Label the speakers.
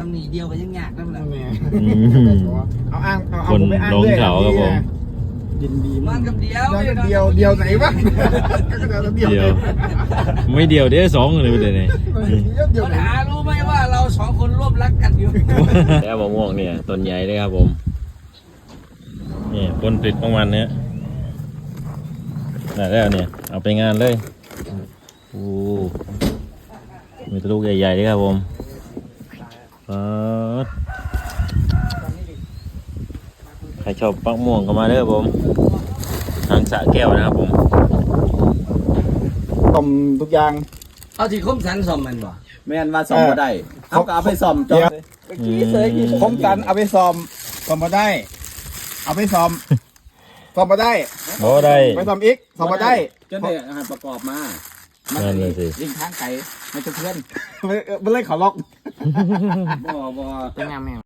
Speaker 1: ำหนีเดียวก็ยังยากนั่นแหละ
Speaker 2: เอาอ้างเอา
Speaker 3: คน
Speaker 2: ผมไปอ้าง
Speaker 3: ลง
Speaker 2: ด้วย
Speaker 3: เขาครับผม
Speaker 2: ยินดี
Speaker 1: นอ
Speaker 2: มาก
Speaker 1: นกับเดียว
Speaker 2: เดียวไหนวะเดียว
Speaker 3: เดียวไม่เดียวเดี๋ยวสองเลยประเดี๋ยวนี้
Speaker 2: เดียว
Speaker 1: ปัญ
Speaker 2: ไหน
Speaker 1: หารู้ไหมว่าเราสองคนร่วมรักกันอยู่
Speaker 3: แล้วมะม่วงเนี่ยต้นใหญ่เลยครับผมนี่ผลผลิตของมันเนี่ยได้แล้วเนี่ยเอาไปงานเลยโอ้มีแตะลูกใหญ่ๆเลยครับผมใครชอบปักม่วงก็มาเด้อผมทางสระแก้วนะครับผม
Speaker 2: ต้มทุกอย่าง
Speaker 1: เอาที่คมสันสมมันบ่
Speaker 4: แม่นว่าซ่อมบ่ได้เอาก็เอาไปซ่อมจอด
Speaker 2: คมกันเอาไปซ้อมมาได้ เอาไปซ้อมมาได้
Speaker 3: โอ้ได้
Speaker 2: ไปซ้อมอีกซ้อมมาได้
Speaker 4: จนได้อาหารประกอบมา
Speaker 3: นั่นเลยสิ
Speaker 4: วิ่งทางไกลไม่จะเพื่อน
Speaker 2: ไม่เล่นเขาล็อก
Speaker 4: บ่
Speaker 1: เป็นงามแม่